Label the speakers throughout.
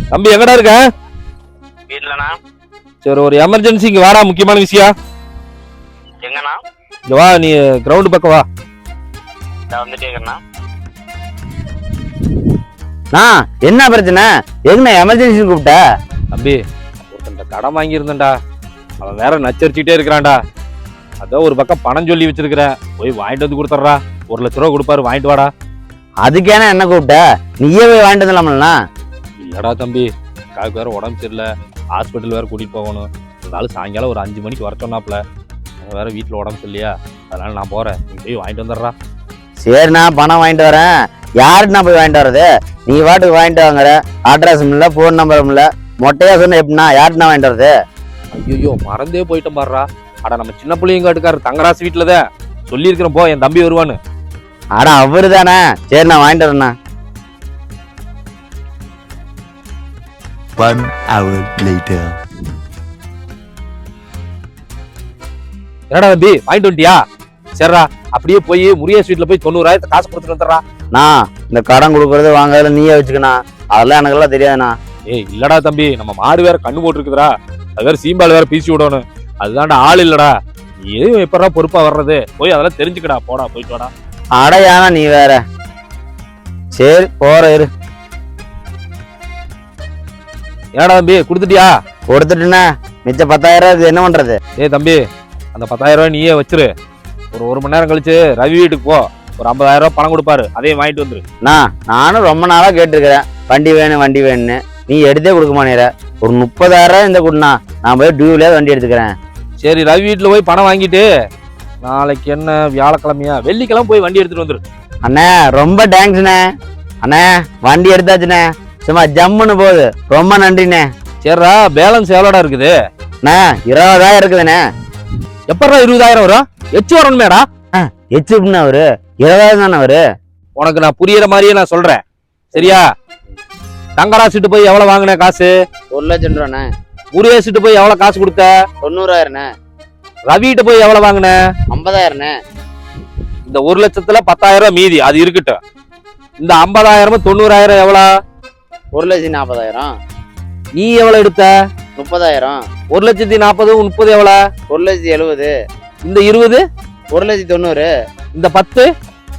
Speaker 1: தம்பி எங்கடா இருக்க?
Speaker 2: வீட்லண்ணா.
Speaker 1: சரி, ஒரு எமர்ஜென்சி இங்க வாடா, முக்கியமான விஷயம்.
Speaker 2: எங்கண்ணா?
Speaker 1: இங்க வா, நீ கிரவுண்ட் பக்கம் வா.
Speaker 2: வந்துட்டே இருக்கேண்ணா.
Speaker 3: என்ன பிரச்சனை? எங்கண்ணா எமர்ஜென்சி கூப்பிட்ட?
Speaker 1: தம்பி, ஒருத்தன் கடன் வாங்கியிருந்தேன்டா, அவன் வேற நச்சரிச்சுட்டே இருக்கிறான்டா. அதான் ஒரு பக்கம் பணம் சொல்லி வச்சிருக்கிறேன், போய் வாங்கிட்டு வந்து கொடுத்துட்றா. 1 லட்ச ரூபா கொடுப்பாரு, வாங்கிட்டு வாடா.
Speaker 3: அதுக்கேனா என்ன கூப்பிட்ட? நீயே போய் வாங்கிட்டு வந்துடலாம்லண்ணா.
Speaker 1: இல்லடா தம்பி, காக்கு வேற உடம்பு சரியில்லை, ஹாஸ்பிட்டல் வேற கூட்டிட்டு போகணும். இருந்தாலும் சாயங்காலம் ஒரு 5 மணிக்கு வர சொன்னாப்ல. வேற வீட்டுல உடம்பு சரியில்லையா, அதனால நான் போறேன், நீ போய் வாங்கிட்டு வந்துடுறா.
Speaker 3: சரிண்ணா, பணம் வாங்கிட்டு வரேன். யாருக்குண்ணா போய் வாங்கிட்டு வர்றது? நீ வாட்டுக்கு வாங்கிட்டு வாங்குற, அட்ரஸும் இல்லை, ஃபோன் நம்பரும் இல்லை, மொட்டையா சொன்ன எப்படின்னா யாருக்குண்ணா வாங்கிட்டு வர்றது?
Speaker 1: ஐயோ, மறந்தே போயிட்டேன் பாடுறா. அட, நம்ம சின்ன பிள்ளைங்க காட்டுக்காரு தங்கராசு வீட்டுலதான் சொல்லியிருக்கிறேன், போ என் தம்பி வருவான்னு.
Speaker 3: அட அவரு தானே. சரி, நான் வாங்கிட்டு வரேண்ணா.
Speaker 4: 1 hour later.
Speaker 1: என்னடா தம்பி, வாங்கிட்டு வந்துட்டியா? சரிடா, அப்படியே போய் முருகேஷ் வீட்டுல போய் 90,000 காசு கொடுத்துட்டு வந்துடுறா.
Speaker 3: நான் இந்த கடன் கொடுக்கறது வாங்கறதுல நீயே வச்சுக்கணா, அதெல்லாம் எனக்கெல்லாம் தெரியாதுண்ணா.
Speaker 1: ஏய் இல்லடா தம்பி, நம்ம மாடு வேற கண்ணு போட்டு இருக்குதுடா, அது வேற சீம்பால் வேற பீசி விடணும், அதுதான்டா ஆள் இல்லடா. நீ எதுவும் எப்படா பொறுப்பா வர்றது? போய் அதெல்லாம் தெரிஞ்சுக்கடா, போடா போயிட்டு வாடா.
Speaker 3: அடையானா நீ வேற. சரி போற இரு.
Speaker 1: ஏடா தம்பி, கொடுத்துட்டியா?
Speaker 3: கொடுத்துட்டுண்ணே, மிச்சம் 10,000 இது என்ன பண்றது?
Speaker 1: ஏய் தம்பி, அந்த 10,000 ரூபாய் நீயே வச்சிரு. ஒரு மணி நேரம் கழிச்சு ரவி வீட்டுக்கு போ, ஒரு 50,000 ரூபாய் பணம் கொடுப்பாரு, அதையும் வாங்கிட்டு வந்துரு.
Speaker 3: நானும் ரொம்ப நாளா கேட்டிருக்கிறேன், வண்டி வேணும் வண்டி வேணும்னு. நீ எடுத்தே கொடுக்க மாட்டேற. ஒரு 30,000 இந்த கொடுண்ணா, நான் போய் டியூவிலே வண்டி எடுத்துக்கிறேன்.
Speaker 1: சரி, ரவி வீட்டுல போய் பணம் வாங்கிட்டு நாளைக்கு என்ன வியாழக்கிழமையா, வெள்ளிக்கிழமை போய் வண்டி எடுத்துட்டு வந்துரு.
Speaker 3: அண்ணே ரொம்ப தேங்க்ஸ்ண்ணே. அண்ணே வண்டி எடுத்தாச்சுண்ணே, சும்மா ஜம்முன்னு போகுது. ரொம்ப நன்றிண்ணே.
Speaker 1: சரிடா, பேலன்ஸ் எவ்வளோடா இருக்குது?
Speaker 3: அண்ணே 20,000 இருக்குதுண்ணே.
Speaker 1: எப்படா 20,000 வரும்? எச்சு வரணுமேடா.
Speaker 3: எச்சுப்புண்ணா அவரு 20,000 தானே அவரு.
Speaker 1: உனக்கு நான் புரியுற மாதிரியே நான் சொல்றேன், சரியா? தங்கராசிட்டு போய் எவ்வளவு வாங்கின காசு?
Speaker 3: 1 லட்சம் ரூபாண்ணே.
Speaker 1: முருகேசிட்டு போய் எவ்வளவு காசு கொடுத்த?
Speaker 3: 90,000ண்ணே.
Speaker 1: ரவிட்ட போய் எவ்வளவு வாங்கின?
Speaker 3: 50,000ண்ணே.
Speaker 1: இந்த 1 லட்சத்துல 10,000 ரூபாய் மீதி, அது இருக்கட்டும். இந்த 50,000 90,000 எவ்வளவு?
Speaker 3: 1,40,000.
Speaker 1: நீ எவ்வளவு எடுத்த?
Speaker 3: 30,000.
Speaker 1: 1,40,000 30 எவ்வளவு?
Speaker 3: 1,70,000.
Speaker 1: இந்த 20?
Speaker 3: 1,90,000.
Speaker 1: இந்த 10?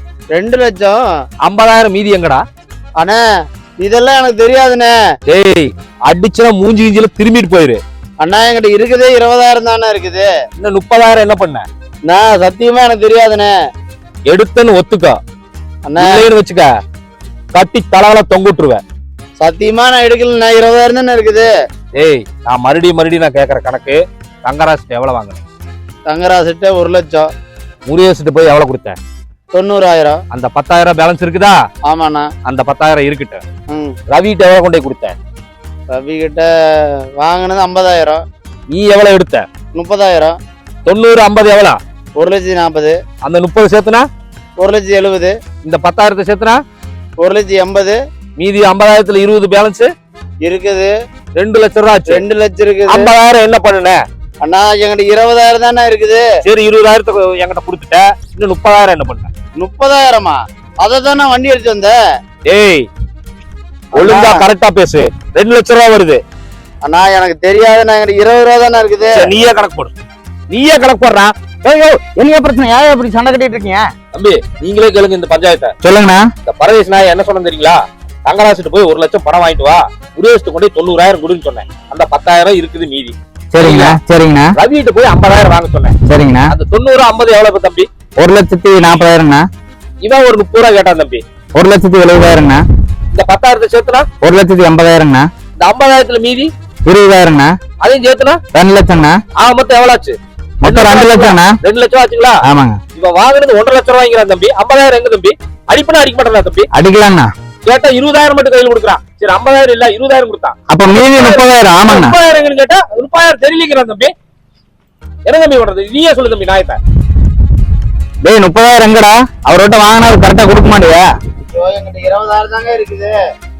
Speaker 3: 2 லட்சம்.
Speaker 1: 50,000 மீதி எங்கடா?
Speaker 3: அண்ணே இதெல்லாம் எனக்கு தெரியாதுண்ணே.
Speaker 1: டேய், அடிச்சுனா மூஞ்சி கிஞ்சில திரும்பிட்டு போயிரு.
Speaker 3: அண்ணா என்கிட்ட இருக்குதே 20,000 தானே இருக்குது.
Speaker 1: இன்னும் 30,000 என்ன பண்ண?
Speaker 3: நான் சத்தியமா எனக்கு தெரியாதுண்ணே.
Speaker 1: எடுத்தன்னு ஒத்துக்கோ,
Speaker 3: அண்ணா
Speaker 1: வச்சுக்க, கட்டி தலவல தொங்குட்டுருவேன்.
Speaker 3: சத்தியமா நான் எடுக்கல, 20,000 தானே இருக்குது.
Speaker 1: ஏய், நான் மறுபடியும் நான் கேட்கற கணக்கு, தங்கராசிட்டு எவ்வளவு வாங்கினேன்?
Speaker 3: தங்கராசிட்ட 1 லட்சம்.
Speaker 1: முருகேசிட்டு போய் எவ்வளவு கொடுத்த?
Speaker 3: 90,000.
Speaker 1: அந்த 10,000 பேலன்ஸ் இருக்குதா?
Speaker 3: ஆமாண்ணா.
Speaker 1: அந்த 10,000 இருக்கட்டும். ரவிட்ட எவ்வளவு கொண்டு போய் கொடுத்த?
Speaker 3: ரவி கிட்ட வாங்கினது 50,000.
Speaker 1: நீ எவ்வளவு எடுத்த?
Speaker 3: 30,000.
Speaker 1: 90 50 எவ்வளவு?
Speaker 3: 1,40,000.
Speaker 1: அந்த 30 சேர்த்துனா
Speaker 3: 1,70,000.
Speaker 1: இந்த 10,000 சேர்த்துனா
Speaker 3: 1,80,000.
Speaker 1: மீதி 50,000த்துல 20 பேலன்ஸ்
Speaker 3: இருக்குது.
Speaker 1: 2 லட்சம் ரூபா.
Speaker 3: 2 லட்சம் இருக்குது.
Speaker 1: 50,000 என்ன பண்ணுன?
Speaker 3: அண்ணா என்கிட்ட 20,000 தானே இருக்குது.
Speaker 1: சரி, 20,000 என்கிட்ட கொடுத்துட்ட, இன்னும் 30,000 என்ன பண்ண?
Speaker 3: 30,000மா? அதை தான் நான் வண்டி எடுத்து வந்தேன்.
Speaker 1: ஏய், ஒழுங்கா கரெக்டா பேசு. 2 லட்சம் ரூபா வருது.
Speaker 3: அண்ணா எனக்கு தெரியாது, நான் என்கிட்ட 20,000 தானே இருக்குது.
Speaker 1: நீயே கணக்கு போடு, நீயே கணக்கு போடுறா.
Speaker 3: என்ன பிரச்சனை? யாரும் அப்படி சண்டை கட்டிட்டு இருக்கீங்க?
Speaker 1: தம்பி, நீங்களே கேளுங்க இந்த பஞ்சாயத்தை.
Speaker 3: சொல்லுங்கண்ணா.
Speaker 1: இந்த பரதேஷ் நான் என்ன சொன்னேன் தெரியுங்களா? தங்கராசிட்டு போய் 1 லட்சம் பணம் வாங்கிட்டு வா, முருகேஷ்ட்டு கொண்டு 90,000 கொடுன்னு சொன்னேன். அந்த 10,000 இருக்குது மீதி.
Speaker 3: சரிங்கண்ணா. சரிங்கண்ணா.
Speaker 1: ரவிட்டு போய் 50,000 வாங்க சொன்னேன்.
Speaker 3: சரிங்கண்ணா.
Speaker 1: அந்த 90 50 எவ்வளவு தம்பி?
Speaker 3: 1,40,000ண்ணா.
Speaker 1: இவன் ஒரு 30 ரூபா கேட்டான் தம்பி.
Speaker 3: 1,70,000ண்ணா.
Speaker 1: இந்த 10,000 சேர்த்துனா
Speaker 3: 1,80,000ண்ணா.
Speaker 1: இந்த 50,000த்துல மீதி
Speaker 3: 20,000ண்ணா.
Speaker 1: அதையும் சேர்த்துனா
Speaker 3: 2 லட்சம்ண்ணா.
Speaker 1: மொத்தம் எவ்வளவு ஆச்சு?
Speaker 3: மொத்தம் 2 லட்சம்ண்ணா.
Speaker 1: 2 லட்சம் ஆச்சுங்களா?
Speaker 3: ஆமாங்க.
Speaker 1: இவன் வாங்குறது 1,50,000 ரூபாய் வாங்கிறான் தம்பி. 50,000 எங்க தம்பி? அடிப்பனா அடிக்க மாட்டா தம்பி?
Speaker 3: அடிக்கலாம்ண்ணா.
Speaker 1: கேட்டா 20,000 மட்டும் கையில் கொடுக்குறான். சரி, 50,000 இல்ல 20,000 கொடுத்தான்.
Speaker 3: அப்ப மீதி 30,000. ஆமாண்ணா.
Speaker 1: 30,000 கேட்டா 30,000 தெரியலங்கிறான் தம்பி. என்ன தம்பி பண்றது? நீயே சொல்லு தம்பி நாயத்தை.
Speaker 3: டேய் 30,000 எங்கடா? அவர்கிட்ட வாங்கினா கரெக்டா கொடுக்க மாட்டியா? என்கிட்ட 20,000 தாங்க இருக்குது.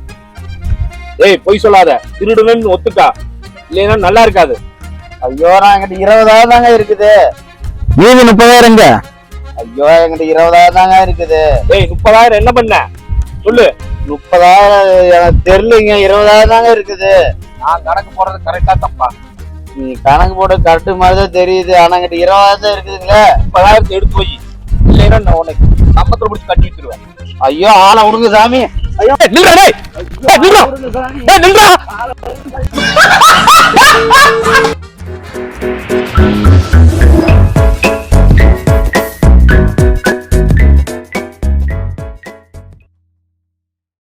Speaker 1: ஏய், பொய் சொல்லாத, திருடுன்னு ஒத்துக்கா, இல்லைன்னா நல்லா இருக்காது.
Speaker 3: ஐயோ, நான் என்கிட்ட 20,000 தாங்க இருக்குது. மீதி 30,000 எங்க? ஐயோ, என்கிட்ட 20,000 தாங்க இருக்குது.
Speaker 1: ஏய், 30,000 என்ன பண்ண சொல்லு.
Speaker 3: 30,000 எனக்கு தெரியலங்க, 20,000 தாங்க இருக்குது.
Speaker 1: நான் கணக்கு போடுறது கரெக்டா தப்பா?
Speaker 3: நீ கணக்கு போட்டு கரெக்டு மாதிரி தான் தெரியுது, ஆனா கிட்ட 20,000 தான் இருக்குதுங்களே.
Speaker 1: 30,000 எடுத்து போய் இல்லைன்னா நான் உனக்கு சம்பளத்துல பிடிச்சி கட்டி வச்சிருவேன்.
Speaker 3: ஐயோ ஆளை விடுங்க சாமி. ஐயோ
Speaker 1: நில்றா டேய். நில்றா.
Speaker 3: விடுங்க சாமி.
Speaker 1: நில்றா.